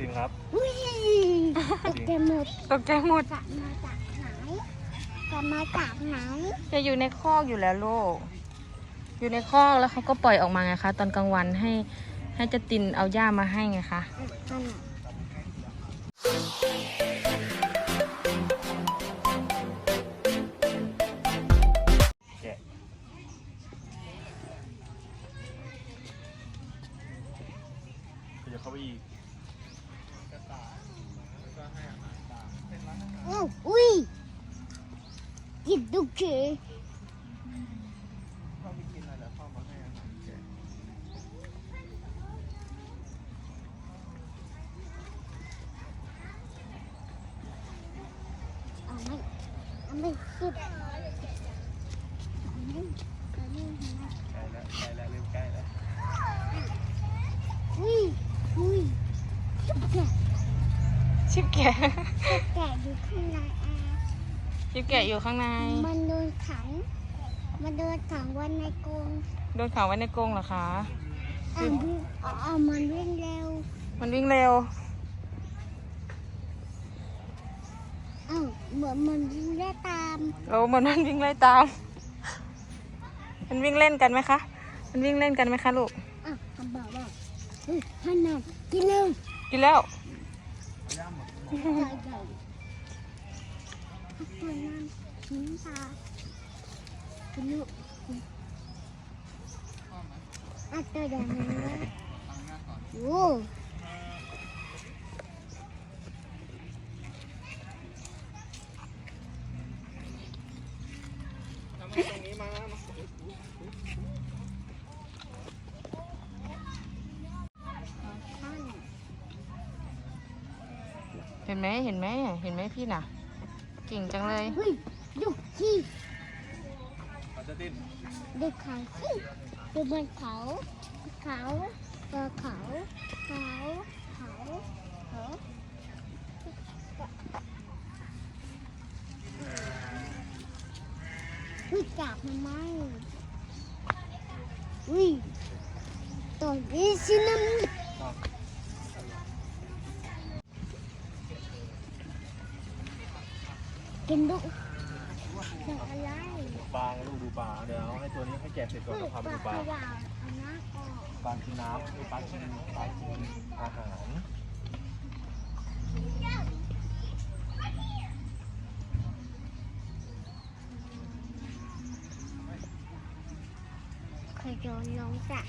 นครับตกใจหมดตกใจหมดจะมาจากไหนจะอยู่ในคอกอยู่แล้วลูกอยู่ในคอกแล้วเขาก็ปล่อยออกมาไงคะตอนกลางวันให้เจะตินเอาหญ้ามาให้ไงคะจะเข้าไปอีกอุ้ยกินดุกเฉยเข้าไปกินอะไรแล้วเข้ามาให้อาหารแกะเอาไม่คิดใกล้แล้วเริ่มใกล้แล้วอุ้ยชิบแกะแกะอยู่ข้างในชิบแกะอยู่ข้างในมันโดนขังไว้ในกรงโดนขังไว้ในกรงเหรอคะมันวิ่งเร็วมันวิ่งเร็วเหมือนมันวิ่งไล่ตามเหมือนมันวิ่งไล่ตามมันวิ่งเล่นกันไหมคะมันวิ่งเล่นกันไหมคะลูกคำบอกว่าท่านน่ะกินเร็วกินแล้วใหญ่ตัวนั้นหินตากินลูกตัวใหญ่เลยโอ้ตรงนี้มาเห็นไหมพี่น่ะเก่งจังเลยดูขี้จะดิ้นดูเขาขี้ดูบนเขาตัวเขาจับมันไหมตัวนี้สิน้ำกินดูอะไรปลาลูกดูปลาเดี๋ยวให้ตัวนี้ให้แกะเสร็จก่อนแล้วพาไปดูปลาปลากินน้ำปลากินอาหารเคยโยนลงจ้ะ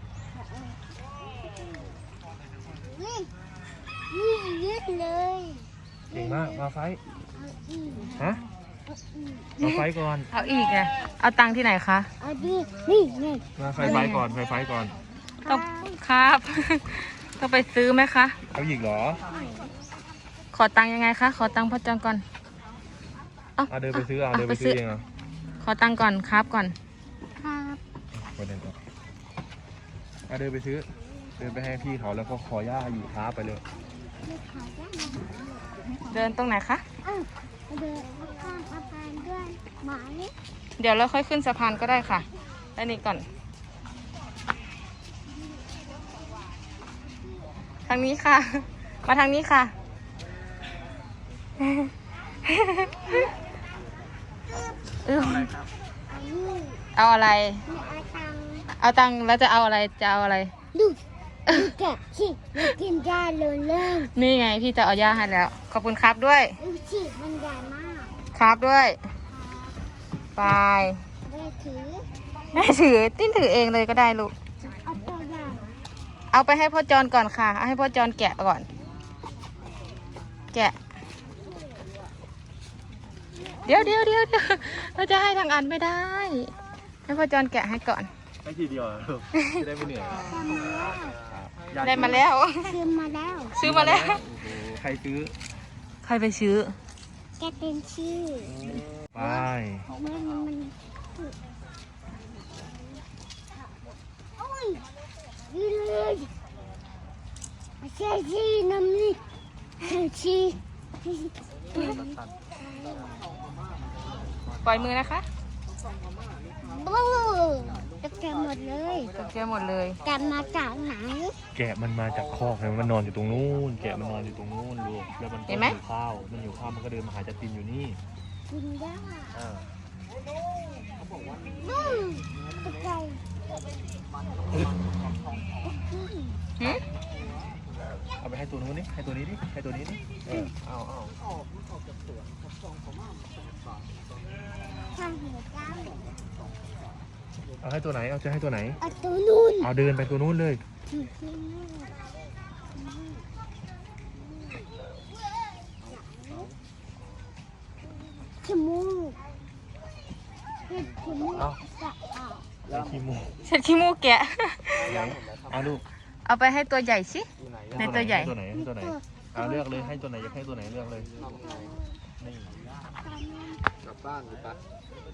นี่เยอะเลยเก่งมากมาไฟฮะมาไฟก่อนเอาอีกไงเอาตังค์ที่ไหนคะเอาดินี่ไงมาไฟก่อนต้องครับต้องไปซื้อไหมคะเอาอีกเหรอขอตังค์ยังไงคะขอตังค์พ่อจอนก่อนเดินไปซื้อเดินไปซื้อเองเหรอขอตังค์ก่อนครับก่อนครับเดินก่อนเดินไปซื้อเดินไปให้พี่เขาแล้วก็ขอย่าอยู่ท้าไปเลยเดินตรงไหนคะเดินข้างสะพานด้วยหมาเดี๋ยวเราค่อยขึ้นสะพานก็ได้ค่ะอันนี้ก่อนทางนี้ค่ะมาทางนี้ค่ะเอาอะไรเอาตังค์แล้วจะเอาอะไรดูแกะสิกินยาเลยนี่ไงพี่จะเอายาให้แล้วขอบคุณครับด้วยดูสิมันใหญ่มากครับด้วยไปแม่ถือติ้นถือเองเลยก็ได้ลูกเอาตัวใหญ่เอาไปให้พ่อจอนก่อนค่ะเอาให้พ่อจอนแกะก่อนแกะเดี๋ยวเราจะให้ทางอันไม่ได้ให้พ่อจอนแกะให้ก่อนให้ทีเดียวจะได้ไม่เหนื่อยได้มาแล้วซื้อมาแล้วใครซื้อใครไปซื้อแกเป็นชื่อไปมันโอ้ยดีเลยเชี่ยชีน้ำนี่ชีปล่อยมือนะคะบูตกใจหมดเลยตกใจหมดเลยแกมาจากไหนแกะมันมาจากคอกเลยมันนอนอยู่ตรงนู้นแกะมันนอนอยู่ตรงนู้นลูกแล้วมันก็หิวข้าวมันหิวข้าวมันก็เดินมาหาจัดตินอยู่นี่กินได้อ่าตกใจหึเอาไปให้ตัวนู้นนี่ให้ตัวนี้ดิให้ตัวนี้ดิเอาทำหัวใจเอาให้ตัวไหนเอาจะให้ตัวไหนเอาตัวนู้นเอาเดินไปตัวนู้นเลยจมูกจมูกจะออกแล้วขี้มูกเช็ดขี้มูกแกะเอาลูกเอาไปให้ตัวใหญ่สิ ในตัวใหญ่ตัวไหนให้ตัวไหนเอาเลือกเลยให้ตัวไหนอยากให้ตัวไหนเลือกเลยนี่กลับบ้านหรือปะ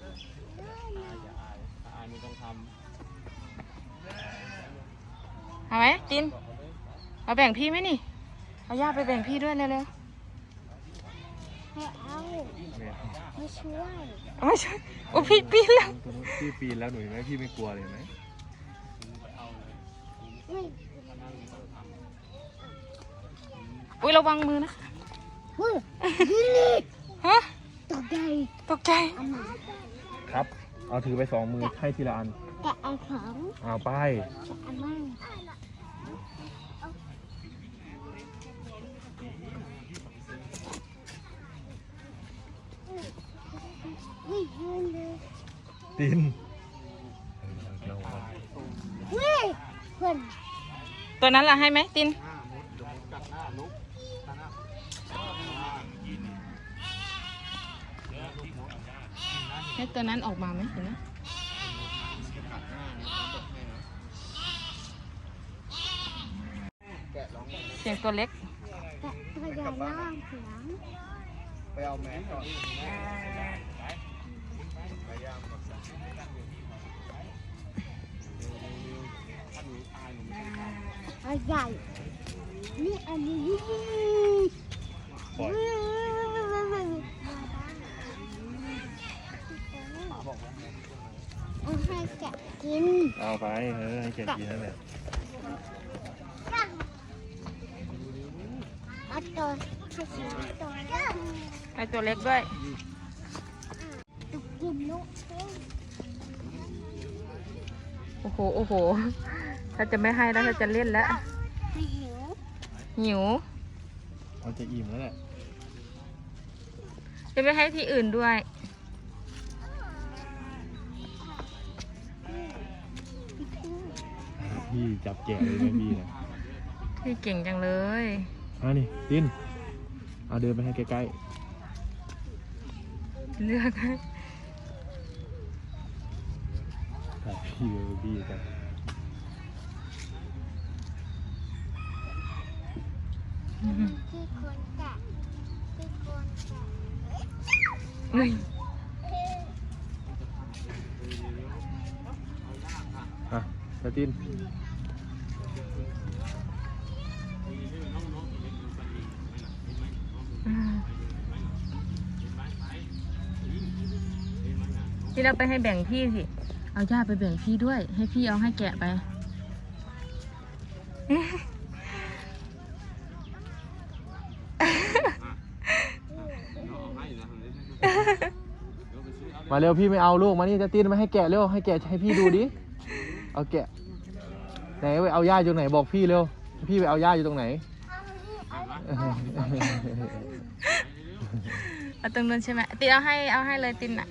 เอาไหมตินเอาแบ่งพี่ไหมนี่ เอาย่าไปแบ่งพี่ด้วยเร็วให้เอาเนี่ยไม่ช่วยๆเอาไม่ใช่โอ้พี่ปีนแล้วตัวนู้นพี่ปีนแล้วหนูเห็นไหมพี่ไม่กลัวเลยเห็นไหมไม่อุ้ยระวังมือนะเฮ้ยนี่ฮะตกใจตกใจเอามาครับ เอาถือไป2 มือให้ทีละอันแกะเอาของเอาไปเอามาไม่เห็นเลยตินเฮ้ยเพื่อนตัวนั้นล่ะให้ไหมติน ให้ตัวนั้นออกมาไหมเห็นไหมเสียงตัวเล็กแกะตัวใหญ่ล่างเสียงไปเอาแมสก่อนเอาใหญ่นี่อันนี้ปล่อยเอาให้แกะกินเอาไปให้แกกินนั่นแหละเอาตัวให้สีตัวเล็กให้ตัวเล็กด้วยตุกกินลูกโอ้โห โอ้โห ถ้าจะไม่ให้แล้วถ้าจะเล่นแล้วไม่หิวหิวมันจะอิ่มแล้วแหละจะไปให้ที่อื่นด้วยพี่จับแกะเลยไหมพี่เนี่ยพี่เก่งจังเลยเอานี่ตินเอาเดินไปให้ใกล้เลือกให้ๆจับพี่เลยพี่จับที่คนแกะที่คนแกะเฮ้ยอ่ะตาตินที่เราไปให้แบ่งพี่สิ เอาย่าไปแบ่งพี่ด้วย ให้พี่เอาให้แกะไปมาเร็วพี่ไม่เอาลูกมานี่ตาตินมาให้แกะเร็วให้แกะให้พี่ดูดิเอาแกะไหนไปเอาย่าอยู่ไหนบอกพี่เร็วพี่ไปเอาย่าอยู่ตรงไหนเอาตรงนู้นใช่ไหมตินเอาให้เลยตินอ่ะ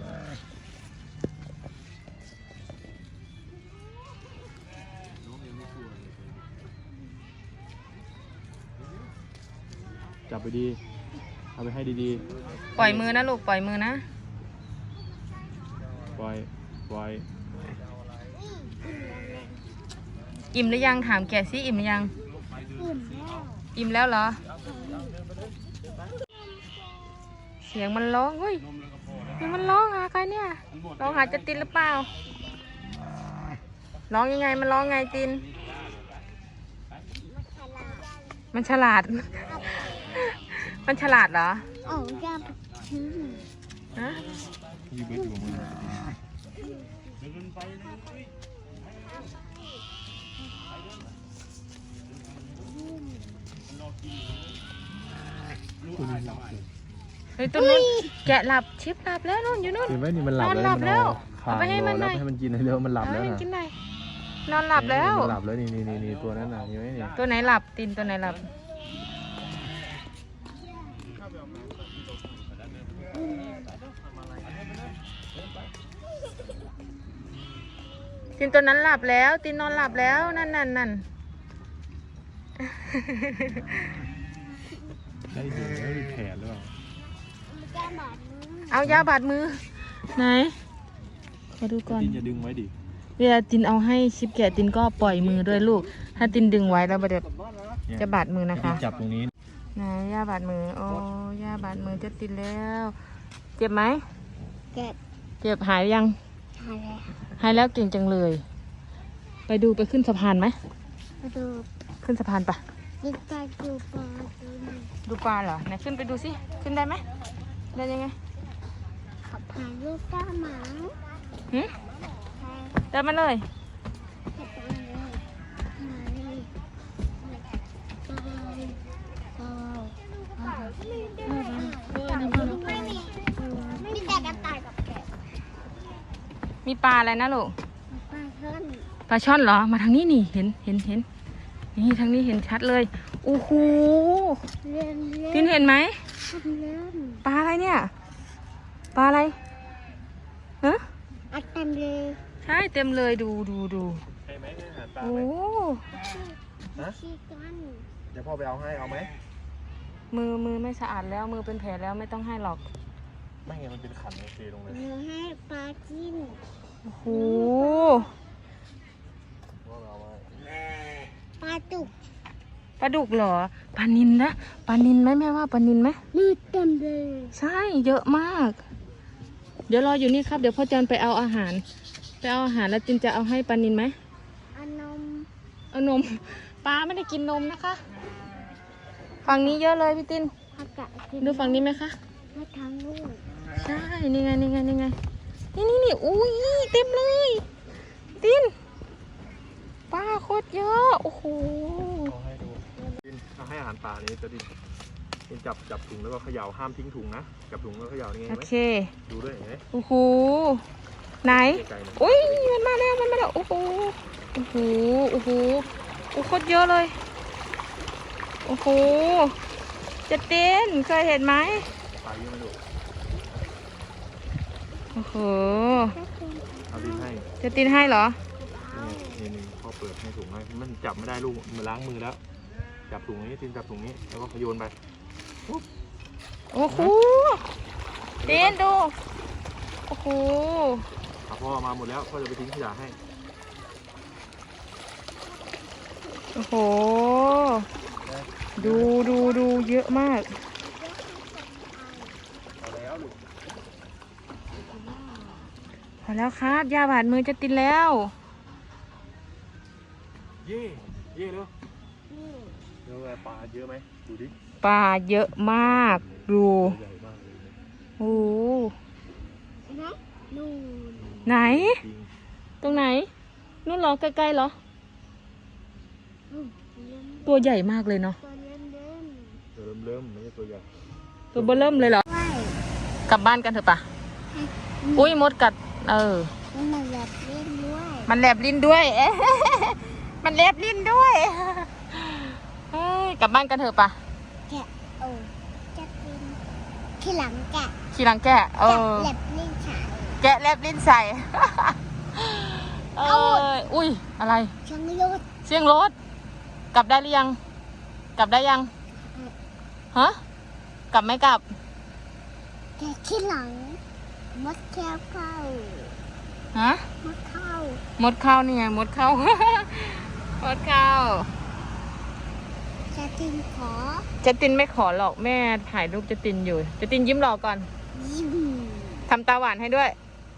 จับไปดีเอาไปให้ดีปล่อยมือนะลูก ปล่อยมือนะๆปล่อยอิ่มหรือยังถามแกะสิอิ่มหรือยังอิ่มแล้วอิ่มแล้วเหรอ เสียงมันร้องเฮ้ยเสียงมันร้องหาใครเนี่ย ร้องหาจะตินหรือเปล่า ร้องยังไง มันร้องไงติน มันฉลาด มันฉลาดเหรอเอาย่าไปทิ้งฮะพี่เบิร์ดอยู่มือเฮ้ยตัวนู้นแกะหลับชิปหลับแล้วนู่นอยู่นู่นเห็นไหมนี่มันหลับนอนหลับแล้วขาเอาไปให้มันหน่อยให้มันกินให้เร็วมันหลับแล้วให้นะกินหน่อยนอนหลับแล้วมันหลับแล้วนี่ตัวนั้นน่ะเห็นไหมนี่ตัวไหนหลับตินตัวไหนหลับตินตัวนั้นหลับแล้วตินนอนหลับแล้วนั่นได้เห็นแล้วมีแผลหรือเปล่าเอายาบาดมือไหนมาดูก่อนตินอย่าดึงไว้ดิเวลาตินเอาให้ชิปแกะตินก็ปล่อยมือด้วยลูก ถ้าตินดึงไว้แล้วเดี๋ยวจะบาดมือนะคะจับตรงนี้ไหนยาบาดมือโอ้ยาบาดมือจะตินแล้ว เจ็บไหมเก็บเจ็บหายยังหายแล้วหายแล้วเก่งจังเลย ไปดูไปขึ้นสะพานไหมมาดูขึ้นสะพานปะดิกาดูปลาตัวนี้ดูปลาเหรอไหนขึ้นไปดูสิขึ้นได้ไหมได้ยังไงขับผ่านลูกก้าหมาหึใช่เดินมาเลยขับผ่านเลยมาเลยไม่มีแต่กระต่ายกับแกะมีปลาอะไรนะลูกปลาเท่นปลาช่อนเหรอมาทางนี้นี่เห็นนี่ทางนี้เห็นชัดเลยโอ้โหเล่นเล่ตินเห็นไหมเล่นปลาอะไรเนี่ยปลาอะไรฮะอัดเต็มเลยใช่เต็มเลยดูใช่ไหมอาหารปลาโอ้ไหมชี้กันเดี๋ยวพ่อไปเอาให้เอาไหมมือไม่สะอาดแล้วมือเป็นแผลแล้วไม่ต้องให้หรอกไม่ไงมันเป็นขันโอเคลงเลยหนูให้ปลาจิ้นโอ้โหว่าเราว่าปลาจุกปลาดุกเหรอปลานิลนะปลานิลไหมแม่ว่าปลานิลไหมมือเต็มเลยใช่เยอะมาก เดี๋ยวรออยู่นี่ครับเดี๋ยวพ่อจันไปเอาอาหารแล้วจินจะเอาให้ปลานิลไหมอันนมเอานมปลาไม่ได้กินนมนะคะฝั่งนี้เยอะเลยพี่ตินผักกาดกินดูฝั่งนี้ไหมคะให้ทั้งลูกใช่นี่ไงนี่อุ้ยเต็มเลยตินปลาโคตรเยอะโอ้โหเอาให้ดูดินเอาให้อาหารปลานี้จะดินจับถุงแล้วก็เขย่าห้ามทิ้งถุงนะจับถุงแล้วเขย่านี่ไงโอไหมเคดูด้วยเห็นไหมโอ้โหไหนไกลๆนะอุ้ยมันมาแล้วโอ้โหโอ้โหโอ้โหโอ้โคตรเยอะเลยโอ้โหจะเต้นเคยเห็นไหมปลาเยอะไหมลูกโอ้โหเอาดินให้จะตินให้เหรอนี่พ่อเปิดให้ถุงให้มันจับไม่ได้ลูกมันล้างมือแล้วจับถุงนี้ตินจับถุงนี้แล้วก็โยนไปโอ้โหตินดูโอ้โหพ่อมาหมดแล้วพ่อจะไปทิ้งขยะให้โอ้โหดูเยอะมากเอาแล้วลูกพอแล้วครับยาบาดมือจะตินแล้วเย่เร็วเดี๋ยวปลาเยอะไหมดูดิปลาเยอะมากดูใหญ่มากเลยโอ้โหนะนู่นไหนจริงตรงไหนนู่นเหรอใกล้ๆเหรอเล่นตัวใหญ่มากเลยเนาะตัวเล่นตัวเริ่มไม่ใช่ตัวใหญ่ตัวเบอเริ่มเลยเหรอไม่กลับบ้านกันเถอะปะอุ้ยมดกัดมันแบบเล่นด้วยมันแลบลิ้นด้วย มันแลบลิ้นด้วยเฮ้ยกลับบ้านกันเถอะปะแกะจะกินที่หลังแกะขี่หลังแกะแกะเล็บลิ้นฉายแกะแลบลิ้นใส่ อุ้ยอะไรช่างยุดเสียงรถกลับได้หรือยัง กลับได้ยังฮะกลับไม่กลับแกะที่หลังมดแก้วเข้าฮะมดเข้ามดเข้านี่ไงมดเข้า มดเข้าจะกินขอเจตินไม่ขอหรอกแม่ถ่ายรูปเจตินอยู่เจตินยิ้มหล่อก่อนยิ้มทำตาหวานให้ด้วย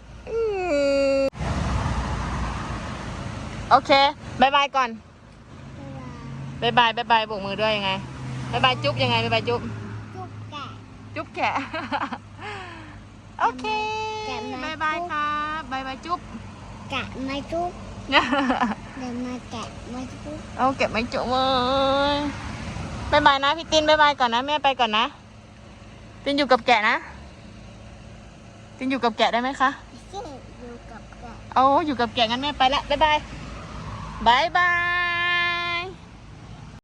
โอเคบายบายก่อนบายบายโบกมือด้วยยังไงบายบายจุ๊บยังไงบายบายจุ๊บจุกแกะจุ๊บแขะ โอเคแกะมาบายบายครับบายบายจุ๊บแแกะไม้จุ๊บเดี๋ยวมาแกะไม้จุ๊บเอาเก็บไม้จุ๊บเว้ยบายบายนะพี่ตินบายบายก่อนนะแม่ไปก่อนนะตินอยู่กับแกะนะตินอยู่กับแกะได้ไหมคะเช่อยู่กับแกะเอาอยู่กับแกะงั้นแม่ไปละบายบายบายบาย